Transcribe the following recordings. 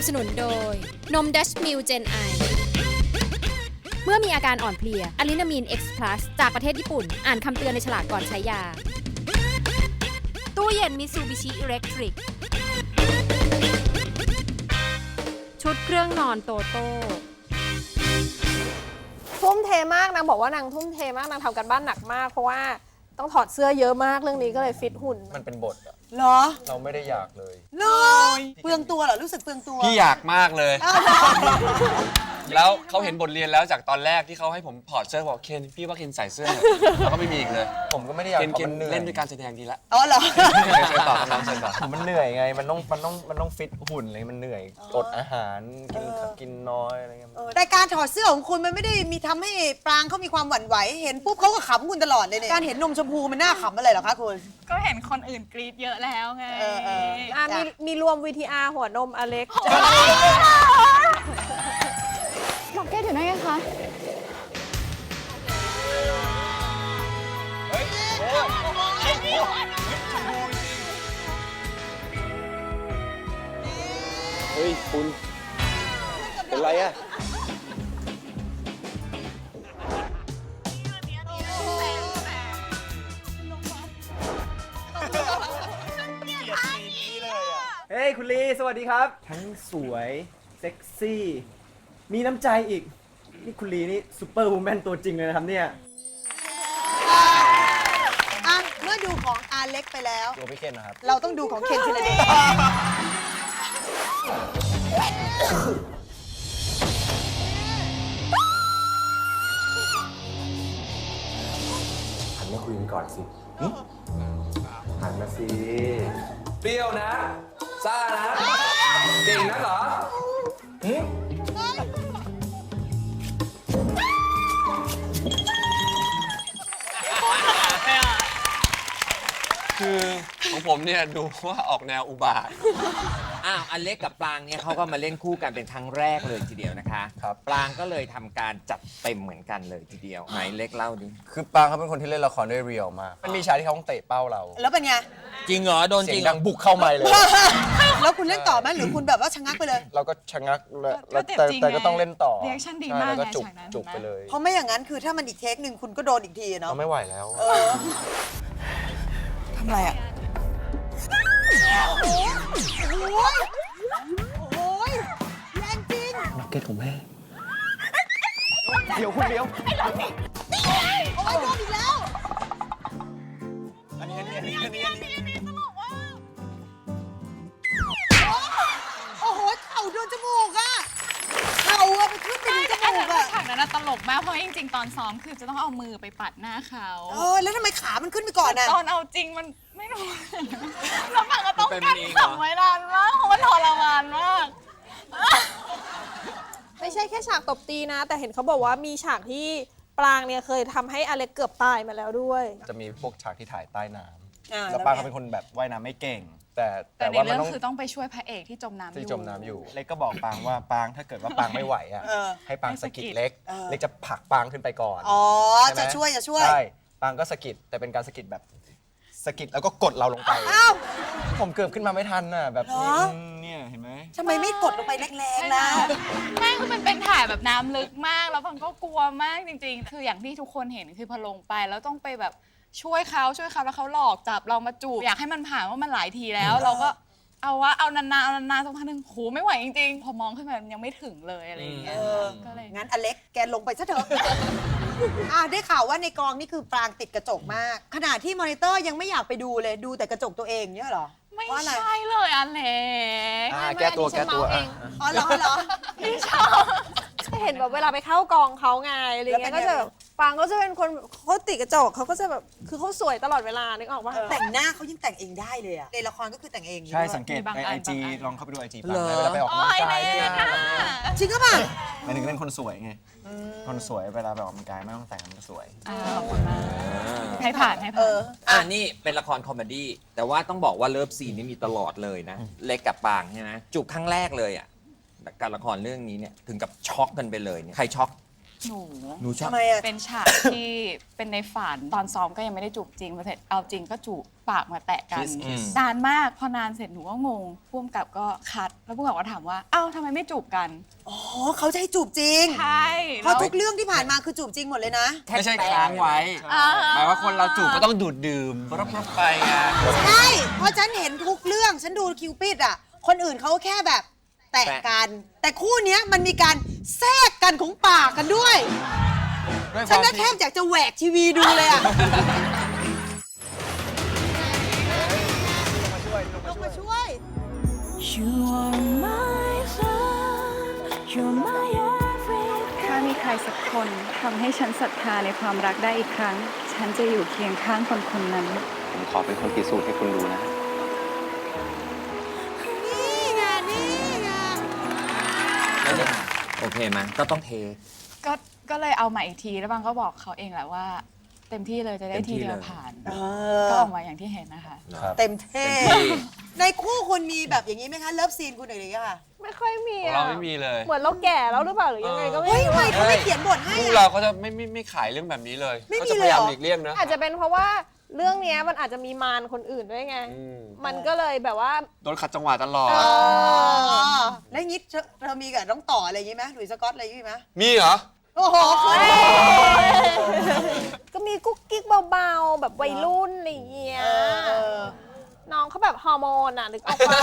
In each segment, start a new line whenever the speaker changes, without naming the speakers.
บสนุนโดยนมดัชมิลเจนไอเมื่อมีอาการอ่อนเพลียอะลินามีน X Plus จากประเทศญี่ปุ่นอ่านคำเตือนในฉลากก่อนใช้ยาตู้เย็นมิซูบิชิอิเล็กทริกชุดเครื่องนอนโตโต้
ทุ่มเทมากนางบอกว่านางทุ่มเทมากนางทำกันบ้านหนักมากเพราะว่าต้องถอดเสื้อเยอะมากเรื่องนี้ก็เลยฟิตหุ่น
มันเป็นบทอะ
เหรอ
เราไม่ได้อยากเลย
เลยเปลืองตัวเหรอ รู้สึกเปลืองตัว
พี่อยากมากเลย แล้วเขาเห็นบทเรียนแล้วจากตอนแรกที่เขาให้ผมถอดเสื้อบอกเคนพี่ว่าเคนใส่เสื้อแล้วก็ไม่มีอีกเลย
ผมก็ไม่ได้อยาก
เคน
เพราะมันเหนื่อย
เล่นด้วยการแสดงดีละ
อ๋อเหรอ
เชิญต่อครับน้องเชิญต่อ
ผมมันเหนื่อยไงมันต้องฟิตหุ่นอะไรมันเหนื่อยอดอาหารกินน้อยอะไรเงี้ย
แต่การถอดเสื้อของคุณมันไม่ได้มีทำให้ปรางเขามีความหวั่นไหว เห็นปุ๊บเขาก็ขำคุณตลอดเลยเนี่ยการเห็นนมชมพูมันน่าขำอะไรเหรอคะคุณ
ก็เห็นคนอื่นกรี๊ดเยอะแล้วไง
มีรวม VTR หัวนมอเล็ก
บอกแกอยู่ไหนกันคะ
เฮ้ยคุณเป็นไรอะ
เฮ้ยคุณลีสวัสดีครับ ทั้งสวยเซ็กซี่ มีน้ำใจอีก นี่คุณลีนี่ซูเปอร์วูแมนตัวจริงเลยนะครับเนี่ย
อ่ะเมื่อดูของอาเล็กไปแล้ว
ตัวพี่เคนนะครับ
เราต้องดูของเคนธีรเดช
หันมาคุยกันก่อนสิหันมาสิ
เปรี้ยวนะ ซ่านะ เก่งนะเหรอ คือของผมเนี่ยดูว่าออกแนวอุบาท
อ้าวอเล็กกับปรางเนี่ยเขาก็มาเล่นคู่กันเป็นครั้งแรกเลยทีเดียวนะคะ
ครับ
ปรางก็เลยทำการจัดเต็มเหมือนกันเลยทีเดียวไหนเล็กเล่าดิ
คือปางเขาเป็นคนที่เล่นละครได้เรียลมากมันมีฉากที่เขาต้องเตะเป้าเรา
แล้วเป็นไง
จริงเหรอโดน
เสี
จ
ย
ริ
ง
ง
ดังบุกเข้าไมค์เลย
แล้วคุณเล่นต่อไหมหรือคุณแบบว่าชะงักไปเลย
เราก็ชะงักแล้ว
ก็เจ็บจริง
แต่ก็ต้องเล่นต่อ
รีแอคชั่นดี
ใช่
มาก
แล้วก็
ไง
จุก
ฉากนั้น
จุกไปเลย
เพราะไม่อย่างนั้นคือถ้ามันอีกเทคหนึ่งคุณก็โดนอีกทีอะเนาะ
เราไม่ไหวแล้ว
ทำอะไรอ่ะโอ้ยแรงจริง
นักเก็ตของแม่ เดี๋ยวคุณเลี้ยว
โอ้ยโดนอีกแล้ว
อันนี้
โอ้โหเข่าโดนจมูกอะเข่าอะไปขึ้นไปถึงจ
อัน
มู
นั้น
กอะ
ฉากนั้นนะตลกมากเพราะจริงๆ ตอนซ้อมคือจะต้องเอามือไปปัดหน้าเขา
แล้วทำไมขามันขึ้นไปก่อนอะ
ตอนเอาจริงมันไม่รู้แล้วฝั่งก็ต้องกั้นขำไว้นานมากเพราะมันทรมานมาก
ไม่ใช่แค่ฉากตบตีนะ แต่เห็นเขาบอกว่ามีฉากที่ปรางเนี่ยเคยทำให้อเล็กเกือบตายมาแล้วด้วย
จะมีพวกฉากที่ถ่ายใต้น้ำ
อ่า
แล้วปางเขาเป็นคนแบบว่ายน้ำไม่เก่ง
แต่
แต่
ใน
ว่ามัน
เรื่อง
ต้อง
คือต้องไปช่วยพระเอกที่จมน้ำอยู่
ที่จมน้ำอยู่ เล็กก็บอกปางว่าปางถ้าเกิดว่าปางไม่ไหวอ่ะ ให้ปางสะกิดเล็ก เล็กจะผลักปางขึ้นไปก่อน
อ๋อ
ใไหม
จะช่วย
ใช่ ปางก็สะกิดแต่เป็นการสะกิดแบบสะกิดแล้วก็กดเราลงไป
อ้าว
ผมเกือบขึ้นมาไม่ทันน่ะแบบนี้
เหรอ
เนี่ยเห็นไหม
ทำไมไม่กดลงไปแรงๆล่ะ
ไม่คือมันเป็นถ่ายแบบน้ำลึกมากแล้วฟังก็กลัวมากจริง ๆ คืออย่างที่ทุกคนเห็นคือพอลงไปแล้วต้องไปแบบช่วยเขาแล้วเขาหลอกจับเรามาจูบอยากให้มันผ่านว่ามันหลายทีแล้ว เราก็เอานานๆสักพักหนึ่งโหไม่ไหวจริงๆพอมองขึ้นมามันยังไม่ถึงเลยอะไรอย่างเงี้ยก็เลย
งั้นอเล็กแกลงไปซะเถอะ ได้ข่าวว่าในกองนี่คือปรางติดกระจกมาก ขนาดที่มอนิเตอร์ยังไม่อยากไปดูเลยดูแต่กระจกตัวเองเนี่ยเหรอ
ไม่
เพราะอะไร
ใช่เลยอเล็ก
แก้ตัวแก้ตัว
อ๋อเหรอเหรอ
ไม่ชอบ
เห็นแบบเวลาไปเข้ากองเขาไงอะไรเงี้ย
แล้วเป็นไง
ก็จะแบบปางก็จะเป็นคนเขาติดกระจกเขาก็จะแบบคือเขาสวยตลอดเวลานึกออกปะ
แต่งหน้าเขายังแต่งเองได้เลยอะในละครก็คือแต่งเองอยู่
ใช่
ด้วย
สังเกตในไอจีลองเข้าไปดูไอจีปาง
เหรอ
เวลาไปออกกำลังกาย
โอ้ย
เนี่ย
เล็กอะ
จริงก็ป่ะ
หมายถึงเป็นคนสวยไงคนสวยเวลาไปออกกำลังกายไม่ต้องแต่งมันก็สวย
ขอบคุณมากให้ผ่าน
นี่เป็นละครคอมเมดี้แต่ว่าต้องบอกว่าเลิฟซีนนี่มีตลอดเลยนะ เล็กกับปรางใช่ไหมจูบครั้งแรกเลยอ่ะการละครเรื่องนี้เนี่ยถึงกับช็อกกันไปเลยเนี่ยใครช็อก
หนูชอบ
ทำไมอะ
เป็นฉากที่เป็นในฝันตอนซ้อมก็ยังไม่ได้จูบจริงพอเสร็จเอาจริงก็จูบปากมาแตะกัน
Kiss
นานมากพอนานเสร็จหนูก็งงพ่วงกับก็คัดแล้วพ่วงกับก็ถามว่าเอ้าทำไมไม่จูบกัน
อ๋อเขาจะให้จูบจริง
ใช่
เพราะทุกเรื่องที่ผ่านมาคือจูบจริงหมดเลยนะ
ไม่ใช่ค้างไว้หมายว่าคนเราจูบก็ต้องดูดดื่มรับๆไปไง
ใช่ เพราะฉันเห็นทุกเรื่อง ฉันดูคิวปิดอ่ะ คนอื่นเขาแค่แบบแตะกัน แต่คู่เนี้ยมันมีการแทรกกันของปากกันด้วย
ด้วยค
ฉัน
วาม
น่ะ
ที่
แทบอยากจะแหวกทีวีดูเลยอ่ะ ลงมาช่วย
ถ้ามีใครสักคนทำให้ฉันศรัทธาในความรักได้อีกครั้ง ฉันจะอยู่เคียงข้างคนคนนั้น
ผมขอเป็นคนพิสูจน์ให้คุณดูนะ
นี่ไง นี่ไง
แล้วเนี่ยโอเคไหมก็ต้องเท
ก็เลยเอามาอีกทีแล้วบางก็บอกเขาเองแหละว่า เต็มที่เลยจะได้ทีเดียวผ่าน ก็ออกมาอย่างที่เห็นนะคะ
เต็มเท่
เต็มที่
ในคู่คุณมีแบบอย่างนี้ไหมคะ เลิฟซีนคุณหน่อยเลยค่ะ
ไม่ค่อยมี
ของ
อะ
เราไม่มีเลย
เหมือนเราแก่แล้วหรือเปล่าหรือยังไงก็ไม่
เฮ้ย
รู้
ทำไมเขาไม่เขียนบทให้
คู่
อะ
เราเขาจะไม่ขายเรื่องแบบนี้เลย
ไม่มี
เขาจะพยายาม
เลยเหรอ
หลีกเลี่ยงนะ
อาจจะเป็นเพราะว่าเรื่องเนี้ยมันอาจจะมีมารคนอื่นด้วยไง
อืม
มันก็เลยแบบว่า
โดนขัดจังหวะตลอด
อ๋อแล้วอย่างนี้เธอมีกับน้องต่ออะไรอย่างนี้ไหมหลุยส์สกอตอะไรอย่างนี้ไหม
มีเหรอ
โอ้โหคุณ
ก็มีกุ๊กกิ๊กเบาๆ แบบวัยรุ่นอะไรอย่างเงี้ย น้องเขาแบบฮอร์โมนอ่ะนึกออกปะ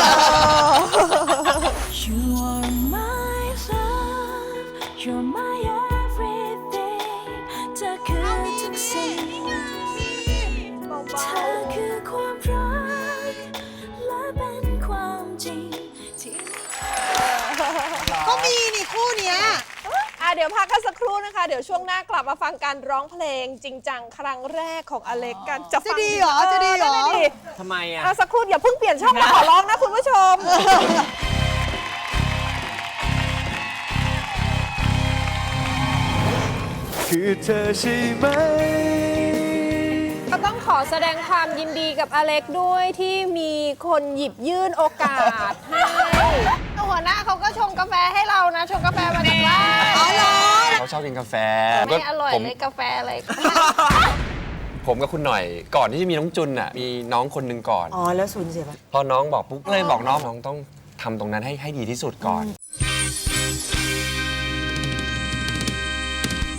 เบา
ก็มีนี่คู่เนี้ย
ๆเดี๋ยวพักกันสักครู่นะคะ เดี๋ยวช่วงหน้ากลับมาฟังการร้องเพลงจริงจังครั้งแรกของอเล็กกันจะฟัง
จะดีเหรอจะดีเหรอ
นั่นน่ะดิ
ทำไมอ่ะ
สักครู่อย่าเพิ่งเปลี่ยนช่องมาขอร้องนะคุณผู้ชม
คือเธอใช่ไหม
ก็ต้องขอแสดงความยินดีกับอเล็กด้วยที่มีคนหยิบยื่นโอกาสให้หัวหน้าเขาก็ชงกาแฟให้เรานะ ชงกาแฟมาจากบ้าน
อ๋อเหรอ
เขาชอบกินกาแฟ
ไม่อร่อย
ผม
เลยกาแฟอะไร
ผมกับคุณหน่อยก่อนที่จะมีน้องจุนอ่ะมีน้องคนหนึ่งก่อน
อ๋อ แล้วสูญเสียปะ
พอน้องบอกปุ๊บก็เลยบอกน้องต้องทำตรงนั้นให้ดีที่สุดก่อน